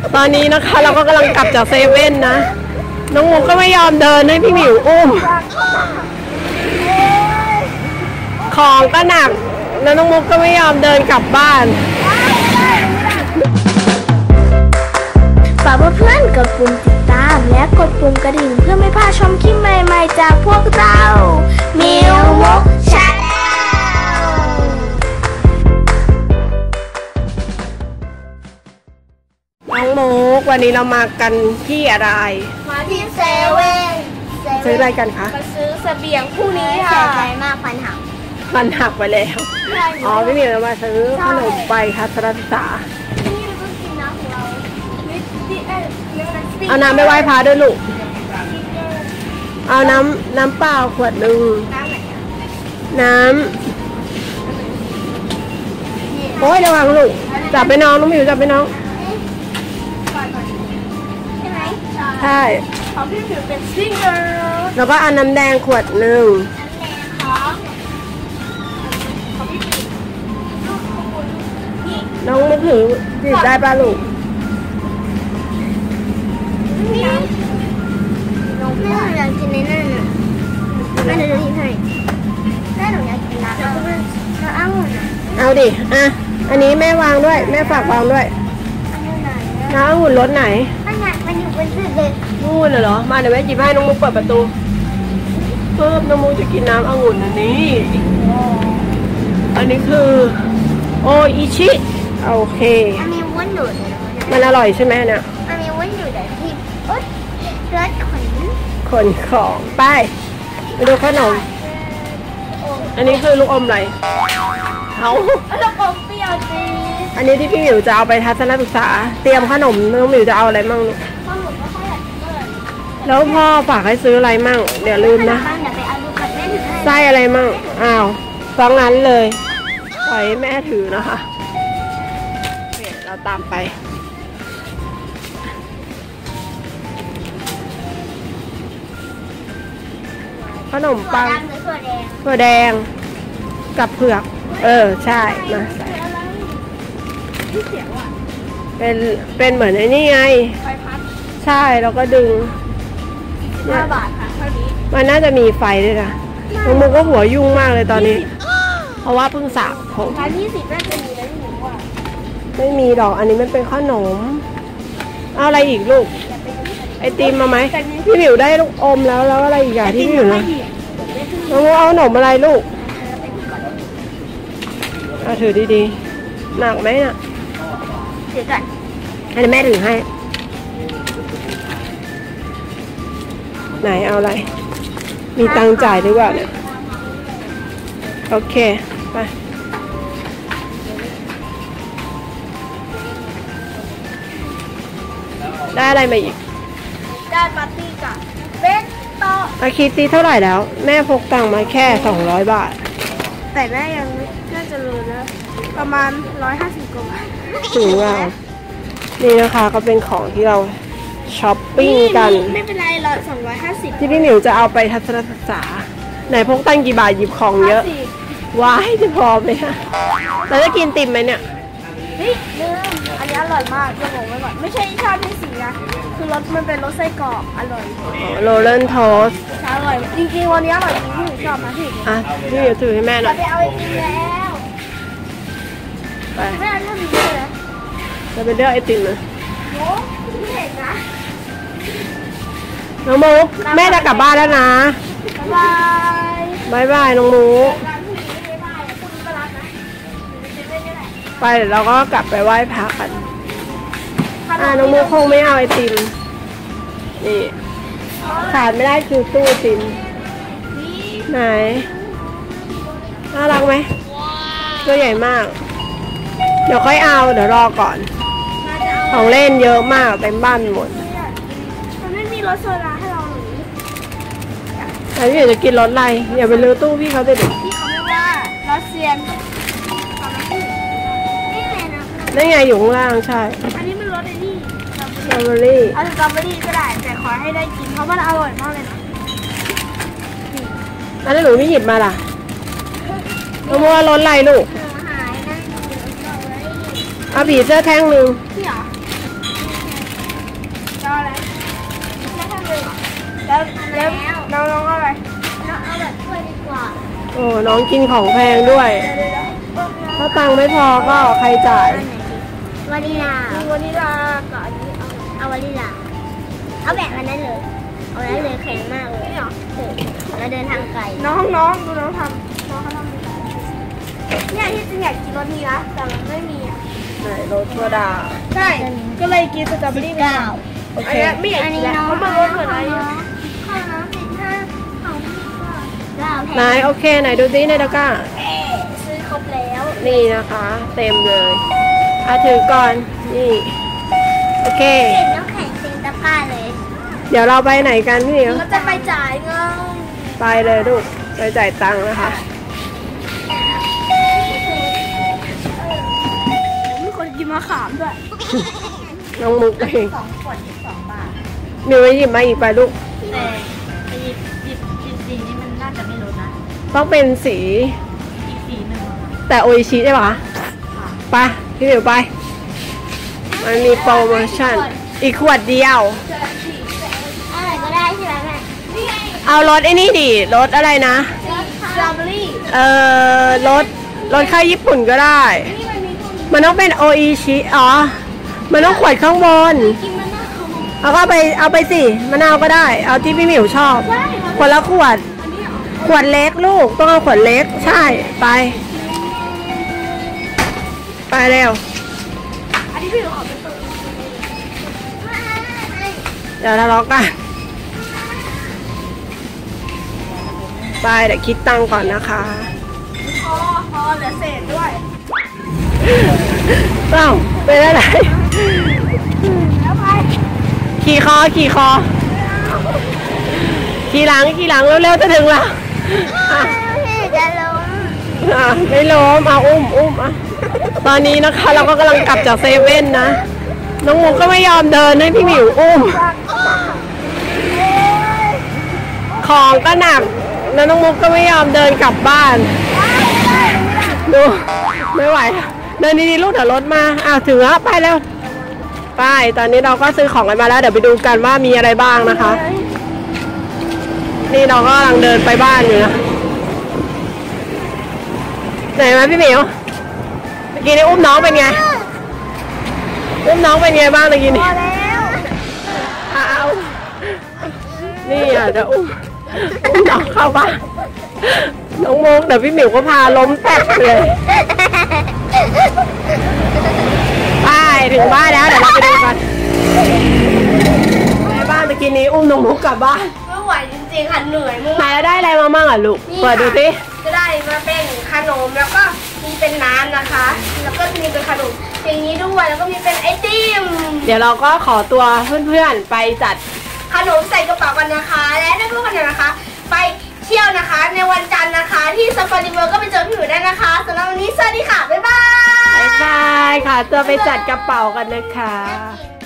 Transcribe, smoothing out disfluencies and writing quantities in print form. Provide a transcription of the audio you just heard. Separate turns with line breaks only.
ตอนนี้นะคะเราก็กำลังกลับจากเซเว่นนะน้องมุกก็ไม่ยอมเดินให้พี่หมิวอุ้มของก็หนักแล้วน้องมุกก็ไม่ยอมเดินกลับบ้าน
ฝากเพื่อนๆกดปุ่มติดตามและกดปุ่มกระดิ่งเพื่อไม่พลาดชมคลิปใหม่ๆจากพวกเรามิวมุกชาแนล
น้องมุกวันนี้เรามากันที่อะไร
มาที่เซเว่น
ซื้ออะไรกันคะ
มาซื้อเสบียงพรุ่งนี้ค่ะเสียใจมากฟันหัก
ไปแล้วอ๋อพี่หมิวเรามาซื้อขนมไปค่ะทัศนศึกษาเอาน้ำไปไหว้พระด้วยลูกเอาน้ำเปล่าขวดหนึ่งน้ำโอ้ยระวังลูกจับไปน้องหมิวจับไปน้อง
ใช่ไหม
ใช่
ของพี่หมิวเป็นซิงเกิล
แล้วก็เอาน้ำแดงขวดหนึ่งน้องมุกถือจิบได้ป่ะลูก
แม่อยากกินในนั่นน่ะแม่จะทิ้งให้แม่หนูอยากกินน้ำองุ่น
เอาดิอ่ะอันนี้แม่วางด้วยแม่ฝากวางด้วยน้ำองุ่นรสไหน
มันอยู่บนสุดเลย
นู่นเหรอมาเดี๋ยวแม่จิบให้น้องมุกเปิดประตูเพิ่มน้องมุกจะกินน้ำองุ่นอันนี้คือโออิชิโอเค
อันนี้วุ้นดูด
มันอร่อยใช่ไหมเนี่ย
อันนี้วุ้นดูดแต่ที่รส
ขนของไปดูขนมอันนี้คือลูกอมอะไรเอา
ลูกอมเปรี้ยวจี
อันนี้ที่พี่หมิวจะเอาไปทัศนศึกษาเตรียมขนมน้องหมิวจะเอาอะไรมั่งลูกแล้วพ่อฝากให้ซื้ออะไรมั่งเดี๋ยวลืมนะไส้อะไรมั่งอ้าวฟังงั้นเลยปล่อยแม่ถือนะคะเราตามไปขนมปังถั่วแดงกับเผือกใช่มาใส่เป็นเหมือนไอ้นี่ไงใช่แล้วก็ดึง
5 บาทค่ะเท่านี้
มันน่าจะมีไฟด้วยนะน้องมุกก็หัวยุ่งมากเลยตอนนี้เพราะว่าเพิ่งสระผม
20น่าจะมีแล้วหนูว่า
ไม่มีดอกอันนี้มันเป็นขนมเอาอะไรอีกลูกไอติมมาไหมพี่หมิวได้ลูกอมแล้วอะไรอีกอย่างที่พี่หมิวนะน้องมุกเอาขนมอะไรลูกเอาถือดีๆหนักไหมน่ะ
ถือก่อน
ให้แม่ถือให้ไหนเอาอะไรมีตังค์จ่ายดีกว่าเนี่ยโอเคไปได้อะไรมาอีก
ได้ปาร์ตี้กับเป็นโต๊ะ
อาคิดตีเท่าไหร่แล้วแม่พกตังค์มาแค่200 บาท
แต่แม่ยังน่าจะรู้นะประมาณ150 กว่าบาท
ถึงว่านี่นะคะก็เป็นของที่เราช้อปปิ้งกัน
ไม่เป็นไร250
ที่พี่หมิวจะเอาไปทัศนศึกษาไหนพกตังค์กี่บาทหยิบของเยอะว้ายจะพอไหมฮะเราจะกินติ่มไหมเนี่ย
เฮ้ยลืมอันนี้อร่อยมากจะบอกไว้ก่อนไม่ใช่ชาติที่สีนะคือรสมันเป็นรสไส้กรอกอร่อย
โรลเลนโทส
อร่อยจริงๆวันนี้อร่อยจริงที่หนูชอบนะพี่
พี่หมิวถือให้แม่หน่อย
ไปเอาไอติมแล้ว
ไป
ไม่เอาเท่านี้เลยนะ
จะไปเลือกไอติมเลย
โอ้ไม่เห็นนะ
น้องมุกแม่จะกลับบ้านแล้วนะบายบายน้องมุกไปเดี๋ยวเราก็กลับไปไหว้พระกันน้องมุกคงไม่เอาไอติมนี่ขาดไม่ได้คือตู้ไอติมไหนน่ารักไหมตัวใหญ่มากเดี๋ยวค่อยเอาเดี๋ยวรอก่อนของเล่นเยอะมากเต็มบ้านหมด
มันไม่มีรสโซดาให้เราหรือ
แต่พี่อยากจะกินรสอะไรอย่าไปลื้อตู้พี่เขาจะเด็ก
พี่เขาเรียกว่ารสเซียน
นี่ไงอยู่ข้างล่างใช่
อันนี้มันรสไอ้นี่
สตรอเบอรี่
เอาสตรอเบอรี่ก็ได้แต่ขอให้ได้กินเพราะมันอร่อยมากเลยนะ
แล้วหนูไม่หยิบมาล่ะน้องมัวรสอะไรลูกเอาผีเสื้อแท่งหนึ่ง
พี่เหรอเอาอะไรแค่ทำเลยแล้วน้องเอาอะไรน้องเอาแบบถ้วยดีกว่า
โอ้น้องกินของแพงด้วยถ้าตังค์ไม่พอก็ใครจ่ายว
านิลาวานิลากับอันนี้เอาวานิลาเอาแบบอันนั้นเลยเอาอันนั้นเลยแข็งมากเลยเหรอเราเดินทางไกลน้องดูน้องทำน้องเขาทำเนี่ยที่จริงอยากกินรสนี้นะแต่มันไม่มีอ่ะ
ไหนรสถั่วดาว
ใช่ก็เลยกินสตรอเบอรี่ไปก่อน
โอเค
ไม่อยากกินแล้วเพราะมันรสเหมือนอะไรข้าวน้ำ15ของพี่ก็
ไหนโอเคไหนดูซิในตะกร้า
ซื้อครบแล้ว
นี่นะคะ เต็มเลยถือก่อนนี่โอเค
เห็นน้ำแข็งเต็มตะกร้าเลย
เดี๋ยวเราไปไหนกันพี่เหนียว
ก็จะไปจ่ายเงิน
ไปเลยลูกไปจ่ายตังค์นะคะ
มีคนกินมะขามด้วย
น้องมุกเอง
2 ขวด22 บาท
มิวไปหยิบมาอีกไปลูก
แต่ไปหยิบสีนี้มันน่าจะไม่ลดนะ
ต้องเป็นสี
อีกสีหนึ่ง
แต่โออิชิได้ปะไปพี่หมิวไปมันมีโปรโมชั่นอีกขวดเดียว
อะไรก็ได้ใช่ไหมแม่
เอารสไอ้นี่ดิรสอะไรนะ
สตรอเบอรี่
รสข้าวญี่ปุ่นก็ได้ มันต้องเป็นโออิชิอ๋อมันต้องขวดข้างบน
กินมะนาว
เอาก็เอาไปสิมะนาวก็ได้ เอาที่พี่หมิวชอบคนละขวด ขวดเล็กลูกต้องเอาขวดเล็กใช่ไปเร็ว
อันนี้พี่หนูขอเป็นตัว
เดี๋ยวทะเลาะกันไปเดี๋ยวคิดตังค์ก่อนนะคะ
พอเหลือเศษด้วย
เอ้าเป็นอะไร
แล้วไป
ขี่คอขี่หลังเร็วๆจะถึงแล้วอ่ะ
จะล้ม
ไม่ล้มเอาอุ้มอ่ะตอนนี้นะคะเราก็กำลังกลับจากเซเว่นนะน้องมุกก็ไม่ยอมเดินให้พี่หมิวอุ้มของก็หนักแล้วน้องมุกก็ไม่ยอมเดินกลับบ้านดูไม่ไหวเดินดีๆลูกเดี๋ยวรถมาถึงแล้วไปแล้วไปตอนนี้เราก็ซื้อของกันมาแล้วเดี๋ยวไปดูกันว่ามีอะไรบ้างนะคะนี่เราก็กำลังเดินไปบ้านอยู่นะไหนมาพี่หมิวเมื่อกี้นี่อุ้มน้องเป็นไงอุ้มน้องเป็นไงบ้างเมื่อกี้นี่
พอแล้ว
เอานี่จะอุ้มน้องเข้าบ้านน้องมุกเดี๋ยวพี่หมิวก็พาล้มแตกเลยไปถึงบ้านแล้วเดี๋ยวเราไปดูกันในบ้านเมื่อกี้นี้อุ้มน้องมุกกลับบ้าน
ไม่ไหวจริงๆค่ะเหนื่อยมาก
ไหนแล้วได้อะไรมาบ้างอ่ะลูกเปิดดูสิ
ก็ได้มาเป็นขนมแล้วก็มีเป็นน้ำนะคะ แล้วก็มีเป็นขนมอย่างนี้ด้วยแล้วก็มีเป็นไอติม
เดี๋ยวเราก็ขอตัวเพื่อนๆไปจัด
ขนมใส่กระเป๋ากันนะคะ และนักเรียนนะคะ ไปเที่ยวนะคะ ในวันจันทร์นะคะ ที่ซาฟารีเวิลด์ก็ไปเจอพี่หมิวได้นะคะสำหรับวันนี้สวัสดีค่ะบ๊ายบาย
บ๊ายบายค่ะตัวไปจัดกระเป๋ากันนะคะ
กิน